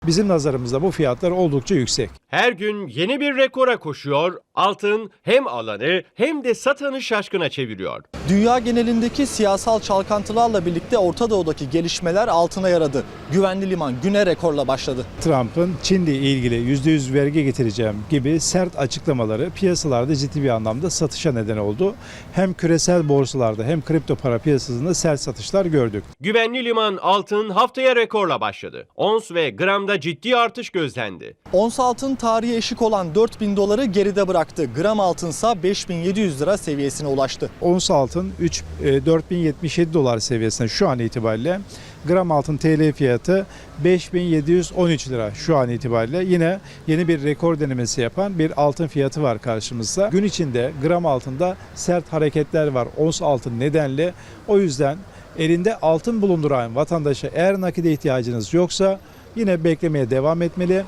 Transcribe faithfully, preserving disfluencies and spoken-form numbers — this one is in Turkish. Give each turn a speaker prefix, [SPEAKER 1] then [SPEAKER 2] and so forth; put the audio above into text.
[SPEAKER 1] Bizim nazarımızda bu fiyatlar oldukça yüksek.
[SPEAKER 2] Her gün yeni bir rekora koşuyor, altın hem alanı hem de satanı şaşkına çeviriyor.
[SPEAKER 3] Dünya genelindeki siyasal çalkantılarla birlikte Orta Doğu'daki gelişmeler altına yaradı. Güvenli liman güne rekorla başladı.
[SPEAKER 1] Trump'ın Çin'le ilgili yüzde yüz vergi getireceğim gibi sert açıklamaları piyasalarda ciddi bir anlamda satışa neden oldu. Hem küresel borsalarda hem kripto para piyasasında sert satışlar gördük.
[SPEAKER 2] Güvenli liman altın haftaya rekorla başladı. Ons ve gramda ciddi artış gözlendi.
[SPEAKER 3] Ons altın tarihe eşik olan dört bin doları geride bıraktı. Gram altınsa beş bin yedi yüz lira seviyesine ulaştı.
[SPEAKER 1] Ons altın dört bin yetmiş yedi dolar seviyesinde şu an itibariyle. Gram altın T L fiyatı beş bin yedi yüz on üç lira şu an itibariyle. Yine yeni bir rekor denemesi yapan bir altın fiyatı var karşımızda. Gün içinde gram altında sert hareketler var ons altın nedenle. O yüzden elinde altın bulunduran vatandaşa eğer nakide ihtiyacınız yoksa yine beklemeye devam etmeli.